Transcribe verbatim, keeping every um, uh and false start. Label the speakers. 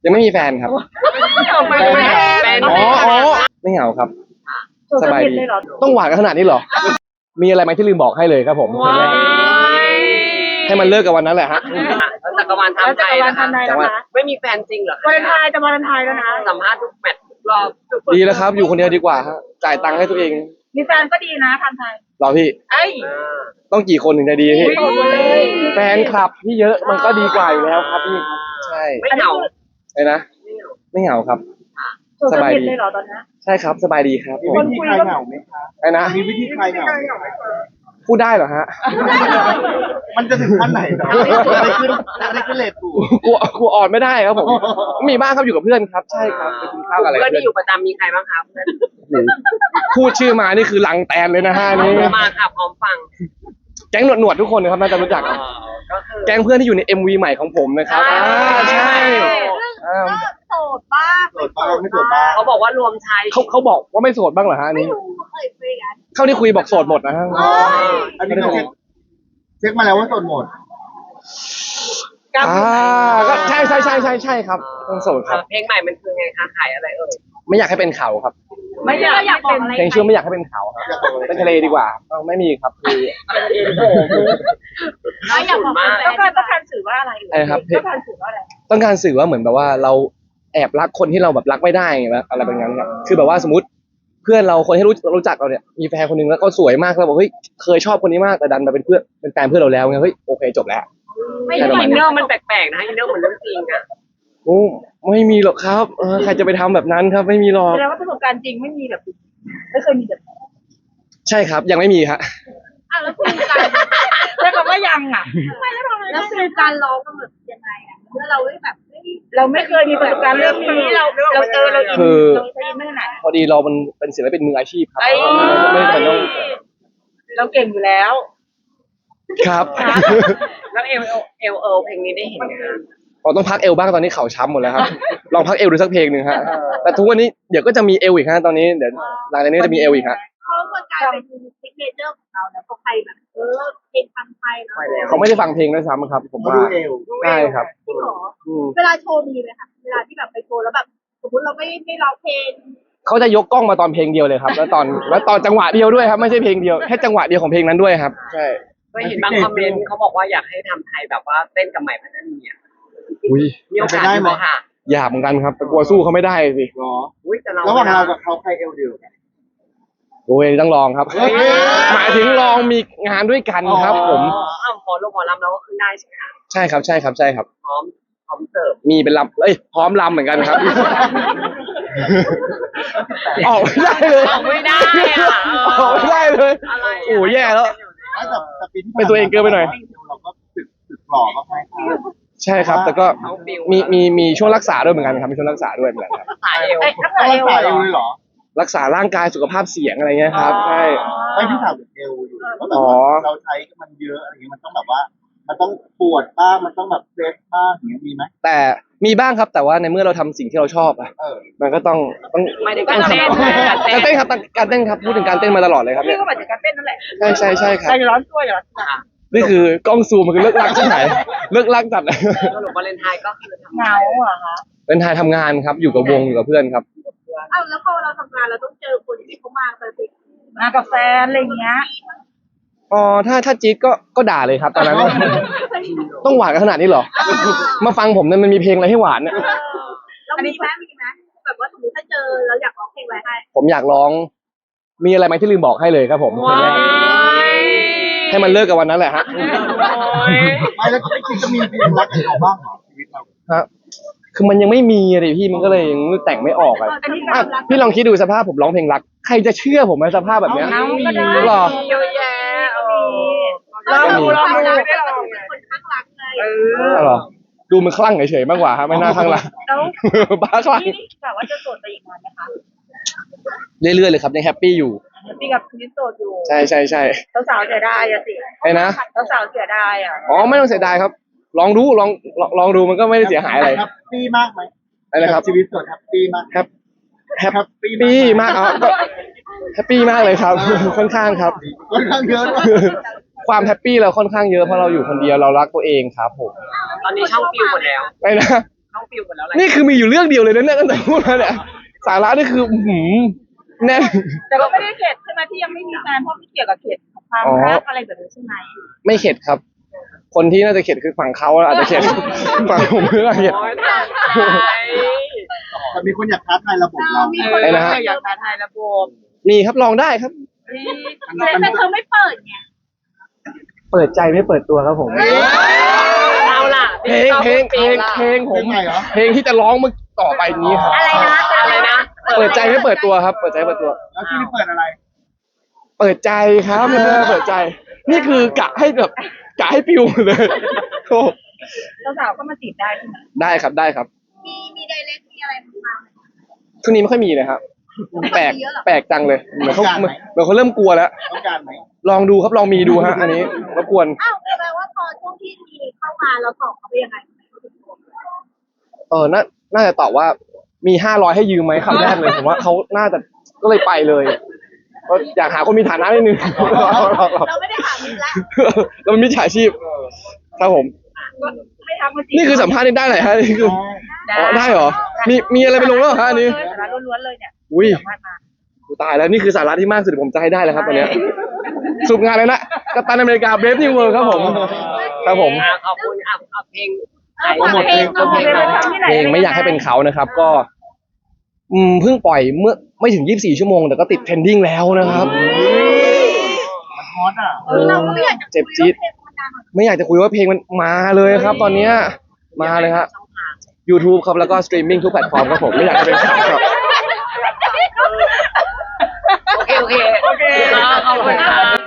Speaker 1: ยังไม่มีแฟนครับ
Speaker 2: แฟน
Speaker 1: อ๋ออ๋อไม่เหงาครับสบายดีต้องหวานกันขนาดนี้เหรอมีอะไรไหมที่ลืมบอกให้เลยครับผมให้มันเลิกกับวันนั้นแหละฮะ
Speaker 2: จักรวาลทำไทยนะคะไม่มีแฟนจริงเหรอ
Speaker 3: วาเลนไทน์จะวาเลนไทน์แล้วนะ
Speaker 2: สัมภาษณ์ทุกแมตช์ทุกรอบ
Speaker 1: ดีแล้วครับอยู่คนเดียวดีกว่าฮะจ่ายตังค์ให้ตัวเอง
Speaker 3: มีแฟนก็ดีนะทำไทย
Speaker 1: รอพี่
Speaker 3: ไอ้
Speaker 1: ต้องกี่คนถึงจะดีพี่
Speaker 3: โสดหมดเลย
Speaker 1: แฟนคลับที่เยอะมันก็ดีกว่าอยู่แล้วครับพี่ใช่
Speaker 2: ไม่เหงา
Speaker 1: ไอ้นะไม่เหงาครับ
Speaker 3: สบายดีเลยเหรอตอนนี้
Speaker 1: ใช่ครับสบายดีครับ
Speaker 4: มีวิธีคลายเหงาไหมคะ
Speaker 1: ไอ้นะ
Speaker 4: มีวิธีคลายเหงาไหม
Speaker 1: พูดได้เหรอฮะ
Speaker 4: มันจะถึงขั้นไหนเนาะอะไรขึ้นอะไรขึ้นเลทกู
Speaker 1: กลัวกลัวอ่อนไม่ได้ครับผมมีบ้างครับอยู่กับเพื่อนครับใช่ครับไปกินข้าวกับอะไร
Speaker 2: เพื่อน
Speaker 1: เพื่อน
Speaker 2: ที่อยู่ประจำมีใครบ้างครับเพื่อน
Speaker 1: พูดชื่อมานี่คือลังแตนเลยนะฮะนี่
Speaker 2: มาค่ะพร้อมฟัง
Speaker 1: แก๊งหนวดหนวดๆทุกคนนะครับน่าจะรู้จักครับ
Speaker 2: ก็คือ
Speaker 1: แก๊งเพื่อนที่อยู่ใน เอ็ม วี ใหม่ของผมนะครับอ่าใช่อ่า
Speaker 3: โสดบ้าง
Speaker 4: โสดบ้างไม่โสดบ้าง
Speaker 2: เขาบอกว่ารวมชาย
Speaker 1: เขาเขาบอกว่าไม่โสดบ้างเหรอฮะอันนี้
Speaker 3: ดูเคยคุยกัน
Speaker 1: เข้าที่คุยบอกโสดหมดนะฮะ
Speaker 4: อันนี้ก็เช็คเช็คมาแล้วว่าโสดหมด
Speaker 1: อ่าก็ใช่ใช่ใช่ใช่ใช่ครับต้องโสดครับ
Speaker 2: เพลงใหม่มันคือไงคะขายอะไรเอ่ย
Speaker 1: ไม่อยากให้เป็นเขาครับ
Speaker 3: ไม่อยากอยากบอกอะไร
Speaker 1: เพลงชื่อไม่อยากให้เป็นเขาครับเป็นทะเลดีกว่าเอาไม่มีครับคือ
Speaker 3: ไม่อยากบอกต้องการต้องการสื่อว่าอะไร
Speaker 1: ไอ้ครับ
Speaker 3: ต้องการสื่อว่าอะไร
Speaker 1: ต้องการสื่อว่าเหมือนแบบว่าเราแอบรักคนที่เราแบบรักไม่ได้ไงแบบอะไรแบบนั้นครับคือแบบว่าสมมติเพื่อนเราคนที่รู้รู้จักเราเนี่ยมีแฟนคนหนึงแล้วก็สวยมากแล้วบอกเฮ้ยเคยชอบคนนี้มากแต่ดันมาเป็นเพื่อนเป็นแฟนเพื่อนเราแล้วไงเฮ้ยโอเคจบแล้ว
Speaker 2: ไม่ใช่อินเนอร์มันแปลกๆนะอินเนอร์เหมือนเรื่องจริงอะ
Speaker 1: โอ้ไม่มีหรอกครับเออใครจะไปทำแบบนั้นครับไม่มีหรอก
Speaker 3: แสดงว่าประสบการณ์จริงไม่มีแบบไม่เคยมีแบบ
Speaker 1: ใช่ครับยังไม่มีฮะ
Speaker 3: อ่ะแล้วคุยกันใช้คำว่ายังอ่ะไม่แล้วทำไมแล้วคือการร้องมันแบบยังไงอ่ะเมื่อเราไม่แบบเราไม่เคยมีประสบการณ์เรื่องนี้เราเราเจอเราอินเราใช้อินเนอร์ไหน
Speaker 1: พอดีเรามันเป็นศิลปินมืออาชีพครับ
Speaker 3: ไอ้
Speaker 1: ไม่จำเป็นต้อง
Speaker 3: เราเก่งอยู่แล้ว
Speaker 1: ครับ
Speaker 2: แล้วเอลเอลเอลเอลเพลงนี้ได้เห็นไหมคะ
Speaker 1: เราต้องพักเอวบ้างตอนนี้เข่าช้ำหมดแล้วครับลองพักเอวดูสักเพลงหนึ่งฮะแต่ทุกวันนี้เดี๋ยวก็จะมีเอวอีกฮะตอนนี้เดี๋ยวหลังจากนี้จะมีเอวอีกฮะ
Speaker 3: เขาก็กลายเป็นซิกเนเจอร์ของเราแล้วพอใครแบบเออเพลงฟังไทยเนาะ
Speaker 1: เขาไม่ได้ฟังเพลงด้วยซ้ำครับผม
Speaker 4: มา
Speaker 1: ว่า
Speaker 4: ดูเอว
Speaker 1: ใช่ครับ
Speaker 3: จริงเหรอ
Speaker 1: อืม
Speaker 3: เวลาโชว์มีไหมคะเวลาที่แบบไปโชว์แล้วแบบสมมติเราไม่ไม่ร้องเพลง
Speaker 1: เขาจะยกกล้องมาตอนเพลงเดียวเลยครับ แล้วตอนแล้วตอนจังหวะเดียวด้วยครับไม่ใช่เพลงเดียวแค่จังหวะเดียวของเพลงนั้นด้วยครับใช่
Speaker 2: ก็เห็นบางคอมเมนต์เขาบอกว่าอยากให้ทำไทยแบบว่าเต้นกับใหม่พันธุ์เนี่ย
Speaker 1: อุ้ย
Speaker 2: มีโอกาสไหมค่ะ
Speaker 1: อยากเหมือนกันครับแต่กลัวสู้เขาไม่ได้สิ
Speaker 4: เหรอ
Speaker 2: อุ้ยแต่เรา
Speaker 4: ระหว่างเรากับเขาใครเอวเดียวกัน
Speaker 1: โอ้ยต้องลองครับ
Speaker 4: เฮ้ย
Speaker 1: หมายถึงลองมีงานด้วยกันครับ ผม
Speaker 2: อ๋ออ้าวพอลงหมอลำเราก็ขึ้นได้ใช่ไหมคะ
Speaker 1: ใช่ครับใช่ครับใช่ครับ
Speaker 2: พร้อมพร้อมเสิร์ฟ
Speaker 1: มีเป็นลำเอ้ยพร้อมลำเหมือนกันครับ ออกไม่ได้เลย
Speaker 2: ออกไม่ได้อะ
Speaker 1: ออกไม่ได้เลย
Speaker 2: อะไระ
Speaker 1: โอ้แย่แล้ว
Speaker 4: ไม่แต่แต่ปีที่
Speaker 1: เป็นตัวเองเกินไปหน่อย
Speaker 4: เราก็ตึกตึกหล่อมากไหมครับ
Speaker 1: ใช่ครับ แต่ก็มีมีมีช่วงรักษาด้วยเหมือนกันครับมีช่วงรักษาด้วยเหมือนกันครับ
Speaker 2: สายเอว
Speaker 3: เอ้ยทั้งหม
Speaker 4: ต้
Speaker 3: ด
Speaker 4: อง
Speaker 3: เอ
Speaker 4: รัก
Speaker 3: ว
Speaker 4: ษาเอวเลยเหรอ
Speaker 1: รักษาร่างกายสุขภาพเสียงอะไรเงี้ยครับใช่
Speaker 4: ไม่ที่ถามเอวอยู่เพราะแบบ
Speaker 1: อ๋อ
Speaker 4: ว่าเราใช้มันเยอะอะไรเงี้ยมันต้องแบบว่า มันต้องปวดบ้างมันต้องแบบเฟสบ้างอย่างเงี้ยมีไหม
Speaker 1: แต่มีบ้างครับแต่ว่าในเมื่อเราทำสิ่งที่เราชอบอะ
Speaker 4: เออ
Speaker 1: มันก็ต้องต้อง
Speaker 2: ไม่ได้การเต้น
Speaker 1: การเต้นครับการเต้นครับพูดถึงการเต้นมาตลอดเลยครับ
Speaker 3: พี่
Speaker 1: เนี่ย
Speaker 3: ก็มาจากการเต้นนั่นแหละ
Speaker 1: ใช่ใช่ใช่ครับ
Speaker 3: ใจร้อนตัวอย่าร้อนตัว
Speaker 1: นี่คือกล้องซูมมันคือเลิกลักใช่ไหมเลิกลักจัดเลย
Speaker 2: สรุปวาเลนไทน์ก็คือทำ
Speaker 3: เหงาเหรอคะ
Speaker 1: เป็นไทยทำงานครับอยู่กับวงอยู่กับเพื่อนครับ
Speaker 3: อ้าวแล้วพอเราทำงานเราต้องเจอคนที่เขามาไปสิมากับแฟนอะไรอย่างเงี้ย
Speaker 1: อ๋อถ้าถ้าจี๊ดก็ก็ด่าเลยครับตอนนั้น ต้องหวานกันขนาดนี้เหรอ มาฟังผมเนี่ยมันมีเพลงอะไรให้หวานเนี่ย
Speaker 3: เรามีไหมมีไหมแบบว่าสมมติถ้าเจอเราอยากร้องเพลงอะไรให้
Speaker 1: ผมอยากร้อง มีอะไรไหมที่ลืมบอกให้เลยครับผม
Speaker 2: ว้าย
Speaker 1: ให้มันเลิกกับวันนั้นแหละฮะ
Speaker 4: ไม่แล้วไม่คิดจะมีเพลงรักกับเขาบ้างเหรอชีวิตเรา
Speaker 1: ฮะคือมันยังไม่มีเลยพี่มันก็เลยยังแต่งไม่ออกอะ
Speaker 3: อันนี้
Speaker 1: อ่ะ
Speaker 3: การรัก
Speaker 1: พี่ลองคิดดูสภาพผมร้องเพลงรัก ใครจะเชื่อผมในสภาพแบบเนี้ย
Speaker 3: เอาก็ได้
Speaker 1: หรอ
Speaker 2: เยอะแยะเออ
Speaker 3: ลองดูลองดู
Speaker 2: เรา
Speaker 3: ไม่
Speaker 2: ไม่
Speaker 3: ได้
Speaker 2: ได้
Speaker 3: ล
Speaker 2: ล
Speaker 3: อ
Speaker 2: อง ง
Speaker 3: เป็นคนข้างรักไง
Speaker 2: เอ
Speaker 1: อ๋อเหรอดูมันคลั่งเฉยๆมากกว่าครับไม่น่าคลั่งรัก
Speaker 3: แล้ว
Speaker 1: บ้าคลั่ง
Speaker 3: นี่กะว่าจะโสดไปอีกนานไหมคะ
Speaker 1: เรื่อยๆเลยครับยังแฮปปี้อยู่
Speaker 3: พี่กับพี่โสดอยู่
Speaker 1: ใช่ใช่ใช่
Speaker 3: สาวๆเสียดายอะสิ
Speaker 1: ไอ้นะ
Speaker 3: สาวๆเสียดายอะ
Speaker 1: อ๋อไม่ต้องเสียดายครับ ลองดูลองลองลองดูมันก็ไม่ได้เสียหายอะไร
Speaker 4: แฮปปี้มากไหม
Speaker 1: อะไรนะครับ
Speaker 4: ชีวิตโสดแฮปปี้มาก
Speaker 1: แฮปแฮปปี้มากอ๋อก็แฮปปี้มากเลยครับ ค่อนข้างครับ
Speaker 4: ค่อนข้างเยอะด้วย
Speaker 1: ความแฮปปี้เราค่อนข้างเยอะเพราะเราอยู่คนเดียวเรารักตัวเองครับผม
Speaker 2: ตอนนี้ช่องฟิวหมดแล้ว
Speaker 1: ไอ้นะ
Speaker 2: น้องฟิวหมดแล้วอะไร
Speaker 1: นี่คือมีอยู่เรื่องเดียวเลยนะเนี่ยตั้งแต่พูดมาเนี่ยสาระนี่คืออื้อหือแน่น
Speaker 3: แต่ก็ไม่ได้เข็ดใช่ไหมที่ยังไม่มีแฟนเพราะไม่เกี่ยวกับเข็ดความ
Speaker 1: อ๋อ
Speaker 3: รักอะไรแบบนี้ใช่ไหม
Speaker 1: ไม่เข็ดครับ คนที่น่าจะเข็ดคือฝั่งเขาอาจจะเข็ด ฝั่งผมไม่น่าเข็ด
Speaker 2: โอ้ยตาย
Speaker 4: แต่มีคนอยากท้าทายระบบเรา
Speaker 3: มีคน
Speaker 1: อะไรนะฮะ
Speaker 3: อยากท้าทายระบบ
Speaker 1: มีครับลองได้ครับ
Speaker 3: แต่เธอไม่เปิดไง
Speaker 1: เปิดใจไม่เปิดตัวครับผม
Speaker 2: เอาล่ะ
Speaker 1: เพลงเพลงเพลงเพลงผ
Speaker 4: เพล
Speaker 1: ม
Speaker 4: งใหม่เหรอ
Speaker 1: เพลงที่จะร้องเมื่อต่อไปนี้ครับ
Speaker 3: อะไรนะ
Speaker 2: อะไรนะ
Speaker 1: เปิดใจไม่เปิดตัวครับ เปิดใจไม่เปิดตัว
Speaker 4: แล้วที่นี่เปิดอะไร
Speaker 1: เปิดใจครับเออเปิดใจ นี่คือกะให้แบบกะให้ปิวเลยโอ้
Speaker 3: สาวๆก็มาจีบได้ใช่ไหม
Speaker 1: ได้ครับได้ครับ
Speaker 3: มีมีไดเรกมีอะไรมาไหม
Speaker 1: ช่วงนี้ไม่ค่อยมีเลยครับ แปลก
Speaker 3: เยอะเหรอ
Speaker 1: แปลกจังเลยเหมือนเขา
Speaker 4: ต้องการไหม
Speaker 1: เหมือนเขาเริ่มกลัวแล้ว
Speaker 4: ต้องการไหม
Speaker 1: ลองดูครับลองมีดูฮะ อันนี้รบกวน
Speaker 3: อ้าวแปลว่าพอช่วงที่มีเข้ามาเราตอบเขาไปยังไง
Speaker 1: เออน่าน่าจะตอบว่ามีห้าร้อยให้ยืมไหมคำแรกเลยผมว่าเขาน่าจะก็เลยไปเลยก็อยากหาคนมีฐานะนิดนึง
Speaker 3: เราไม่ได้ถามมึงละ
Speaker 1: เราเป็นมิจฉาชีพครับผม
Speaker 3: ก็ไม่ทำมาจีบ
Speaker 1: นี่คือสัมภาษณ์นี่ได้ไหนฮะนี่คืออ๋อได้เหรอมีมีอะไรไปลงแล้วเหรอฮะอันนี้
Speaker 3: สาระล้วนๆเลยเนี่ย
Speaker 1: อุ้ย
Speaker 3: สัมภาษณ์มา
Speaker 1: กูตายแล้วนี่คือสาระที่มากสุดที่ผมจะให้ได้แล้วครับตอนเนี้ยสรุปงานเลยนะกัปตันอเมริกาเบรฟนิวเวิร์ครับผมครับผม
Speaker 2: อ่ะขอบคุณอ่ะเอาเพลง
Speaker 3: เอาฝากเพลงเอาเพลงไปทำที่ไหน
Speaker 1: เพลงไม่อยากให้เป็นเขานะครับ ก็ อืมเพิ่งปล่อยเมื่อไม่ถึงยี่สิบสี่ชั่วโมงแต่ก็ติดเทรนดิ้งแล้วนะครับ
Speaker 4: มันฮอตอ่ะ
Speaker 3: เออเราก็ไม่อยากจะ
Speaker 1: เจ็บจี๊ด
Speaker 3: คุยเรื่องเพลงมันดังอะ
Speaker 1: ไม่อยากจะคุยว่าเพลงมันมาเลยครับ ตอนเนี้ยมาเลยฮะ YouTube ครับแล้วก็สตรีมมิ่งทุกแพลตฟอร์มครับผมไม่อยากจะเป็นเขาครับ
Speaker 2: โอเคโอเคโอเคขอบคุณค่ะ